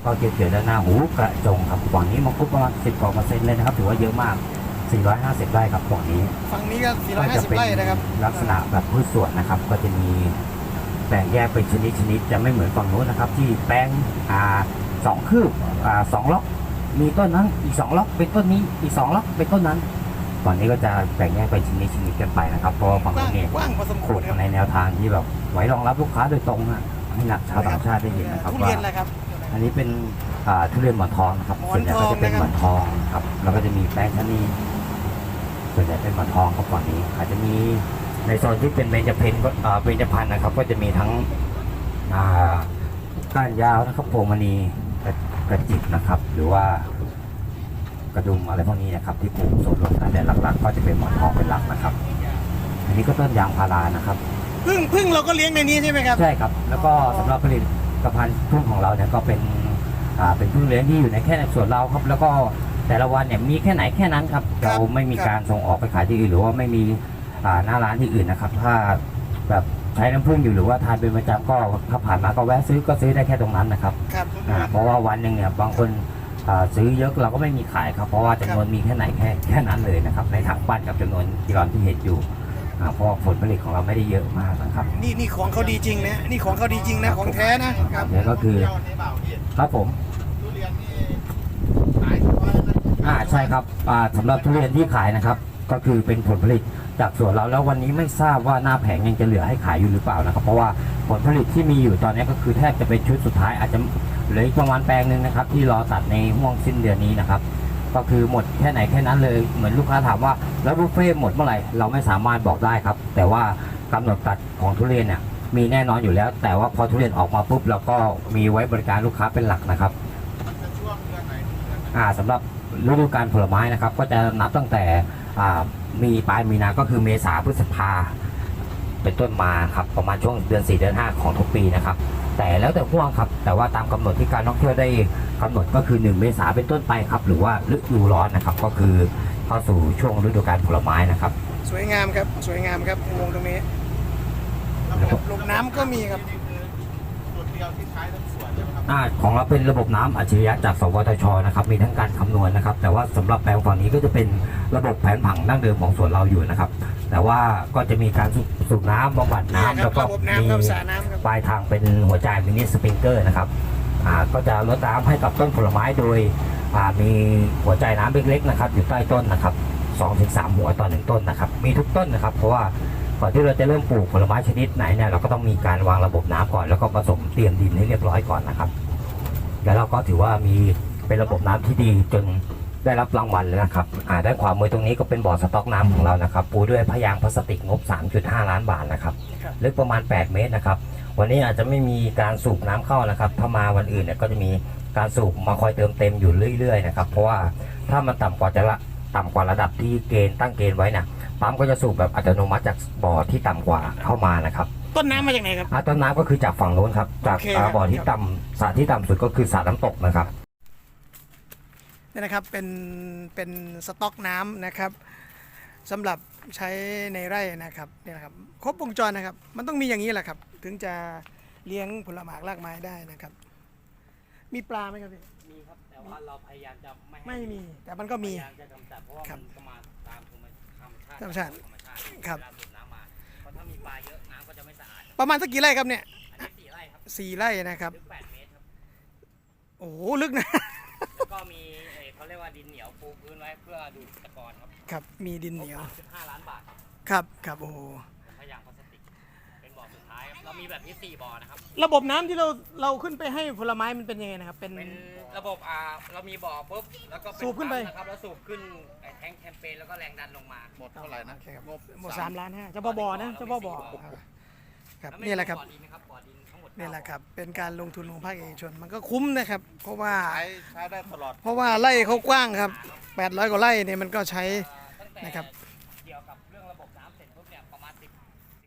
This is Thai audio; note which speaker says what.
Speaker 1: ก็เกี่ยวด้านหน้าหูกระจงครับฝั่งนี้มังคุดประมาณ10 กว่า%เลยนะครับถือว่าเยอะมาก450 ไร่ครับฝั่งนี้
Speaker 2: ก็450 ไร่นะครับ
Speaker 1: ลักษณะแบบพืชสวนนะครับก็จะมีแบ่งแยกเป็นชนิดจะไม่เหมือนฝั่งโน้นนะครับที่แปลง2 คืบ2 ล็อกมีต้นนั้นอีก2 ล็อกเป็นต้นนี้อีก2 ล็อกเป็นต้นนั้นฝั่งนี้ก็จะแบ่งแยกเป็นชนิดกันไปนะครับเพราะฝั่งโน้นเนี่ย
Speaker 2: กว้างพอสมควร
Speaker 1: ในแนวทางที่แบบไว้รองรับลูกค้าโดยตรงนะให้นักชาวต่างชาติได้เห็นนะครับว่าอันนี้เป็นทุเรียนหมอนทองนะครับส่วนใหญ่ก็จะเป็นหมอนทองครับแล้วก็จะมีแป้งชะนีส่วนใหญ่เป็นหมอนทองครับฝั่งนี้อาจจะมีในโซนที่เป็นเบญจพรรณเบญจพรรณนะครับก็จะมีทั้งก้านยาวนะครับพวงมณีกระจิบนะครับหรือว่ากระดุมอะไรพวกนี้นะครับที่ปลูกส่วนรวมกันแต่หลักๆก็จะเป็นหมอนทองเป็นหลักนะครับอันนี้ก็ต้นยางพารานะครับ
Speaker 2: พึ่งเราก็เลี้ยงในนี้ใช่ไหมครับ
Speaker 1: ใช่ครับแล้วก็สำหรับผลิตภัณฑ์พึ่งของเราเนี่ยก็เป็นพึ่งเลี้ยงที่อยู่ในแค่ในส่วนเราครับแล้วก็แต่ละวันเนี่ยมีแค่ไหนแค่นั้นครับเราไม่มีการส่งออกไปขายที่อื่นหรือว่าไม่มีหน้าร้านที่อื่นนะครับถ้าแบบใช้น้ำผึ้งอยู่หรือว่าทานเป็นประจำก็ถ้าผ่านมาก็แวะซื้อก็ซื้อได้แค่ตรงนั้นนะครับเพราะว่าวันหนึ่งเนี่ยบางคนซื้อเยอะเราก็ไม่มีขายครับเพราะว่าจำนวนมีแค่ไหนแค่นั้นเลยนะครับในถังปั้นกับจำนวนกิโลที่เห็นอยู่เพราะผลผลิตของเราไม่ได้เยอะมากนะครับ
Speaker 2: นี่ของเขาดีจริงนะนี่ของเขาดีจริงนะของแท้นะครับ
Speaker 1: นี่ก็คือครับผมใช่ครับสำหรับทุเรียนที่ขายนะครับก็คือเป็นผลผลิตจากสวนเราแล้ววันนี้ไม่ทราบว่าหน้าแผงยังจะเหลือให้ขายอยู่หรือเปล่านะครับเพราะว่าผลผลิตที่มีอยู่ตอนนี้ก็คือแทบจะเป็นชุดสุดท้ายอาจจะเหลืออีกประมาณแปลงหนึ่งนะครับที่รอตัดในห่วงสิ้นเดือนนี้นะครับก็คือหมดแค่ไหนแค่นั้นเลยเหมือนลูกค้าถามว่าแล้วบุฟเฟ่หมดเมื่อไหร่เราไม่สามารถบอกได้ครับแต่ว่ากำหนดตัดของทุเรียนเนี่ยมีแน่นอนอยู่แล้วแต่ว่าพอทุเรียนออกมาปุ๊บเราก็มีไว้บริการลูกค้าเป็นหลักนะครับสำหรับฤดูกาลผลไม้นะครับก็จะนับตั้งแต่มีปลายมีนาก็คือเมษาพฤษภาเป็นต้นมาครับประมาณช่วงเดือน4 เดือน 5ของทุกปีนะครับแต่แล้วแต่ห่วงครับแต่ว่าตามกำหนดที่การท่องเที่ยวได้กำหนดก็คือ1 เมษาเป็นต้นไปครับหรือว่าฤดูร้อนนะครับก็คือเข้าสู่ช่วงฤดูกาลผลไม้นะครับ
Speaker 2: สวยงามครับสวยงามครับวงตรงนี้ลงน้ำก็มีครับ
Speaker 1: ของเราเป็นระบบน้ำอัจฉริยะจากสวทชนะครับมีทั้งการคำนวณนะครับแต่ว่าสำหรับแปลงฝั่งนี้ก็จะเป็นระบบแผนผังดั้งเดิมของสวนเราอยู่นะครับแต่ว่าก็จะมีการสูบน้ำบำบัดน้ำแล้วก็มีปลายทางเป็นหัวจ่ายมินิสปริงเกอร์นะครับก็จะลดน้ำให้กับต้นผลไม้โดยมีหัวจ่ายน้ำเล็กๆนะครับอยู่ใต้ต้นนะครับ 2-3 หัวต่อ1ต้นนะครับมีทุกต้นนะครับเพราะว่าก่อนที่เราจะเริ่มปลูกผลไม้ชนิดไหนเนี่ยเราก็ต้องมีการวางระบบน้ำก่อนแล้วก็ผสมเตรียมดินให้เรียบร้อยก่อนนะครับแล้วเราก็ถือว่ามีเป็นระบบน้ำที่ดีจนได้รับรางวัลเลยนะครับด้านขวามือตรงนี้ก็เป็นบ่อสต๊อกน้ำของเรานะครับปูด้วยพยางค์พลาสติกงบ 3.5 ล้านบาทนะครับลึกประมาณ8 เมตรนะครับวันนี้อาจจะไม่มีการสูบน้ำเข้านะครับถ้ามาวันอื่นเนี่ยก็จะมีการสูบมาคอยเติมเต็มอยู่เรื่อยๆนะครับเพราะว่าถ้ามันต่ำกว่าระดับที่ตั้งเกณฑ์ไว้นะปั๊มก็จะสูบแบบอัตโนมัติจากบ่อที่ต่ำกว่าเข้ามานะครับ
Speaker 2: ต้นน้ำมาจากไหนครับ
Speaker 1: ต้นน้ำก็คือจากฝั่งโน้นครับจากบ่อที่ต่ำสระที่ต่ำสุดก็คือสระน้ำตกนะครับ
Speaker 2: นี่นะครับเป็นสต๊อกน้ำนะครับสำหรับใช้ในไร่นะครับนี่นะครับครบวงจรนะครับมันต้องมีอย่างนี้แหละครับถึงจะเลี้ยงผลไม้รากไม้ได้นะครับมีปลาไหมครับพี่
Speaker 1: มีครับแต่ว่าเราพยายามจะ
Speaker 2: ไม่มีแต่มันก็มี
Speaker 1: พยายามจะกำจัดเพราะว่ามันก็มาตามธรรมชาติ
Speaker 2: ครับ
Speaker 1: น้ำมาเพราะถ้ามีปลาเยอะน้ำก็จะไม่สะอาด
Speaker 2: ประมาณสักกี่ไร่ครับเนี่ย
Speaker 1: 4 ไร่ครับ
Speaker 2: 4 ไร่นะครับ
Speaker 1: ลึก8 เมตรครับ
Speaker 2: โอ้โหลึกนะ
Speaker 1: แล้วก็มีเขาเรียกว่าดินเหนียวปูพื้นไว้เพื่อดูดตะกอนครับ
Speaker 2: ครับมีดินเหนียว
Speaker 1: 5 ล้านบาท
Speaker 2: ครับโอ้โห
Speaker 1: พยางค์พลาสติกเป็นบ่อสุดท้ายเรามีแบบนี้4 บ่อนะครับ
Speaker 2: ระบบน้ำที่เราขึ้นไปให้ผลไม้มันเป็นยังไงนะครับเป็น
Speaker 1: ระบบเรามีบ่อปุ๊บแล้วก็
Speaker 2: สูบขึ้นไป
Speaker 1: นะครับแล้วสูบขึ้นแทงแคมเปญแล้วก็แรงดันลงมา
Speaker 3: หมดเท่าไหร่นะ
Speaker 2: หมด3 ล้าน5เฉพาะบ่อนะเฉพาะบ่อครับนี่แหละครับนี่แหละครับเป็นการลงทุนของภาคเอกชนมันก็คุ้มนะครับเพราะว่า
Speaker 3: ใช้ได้ตลอด
Speaker 2: เพราะว่าไร่เขากว้างครับ800 กว่าไร่เนี่ยมันก็ใช้นะครับ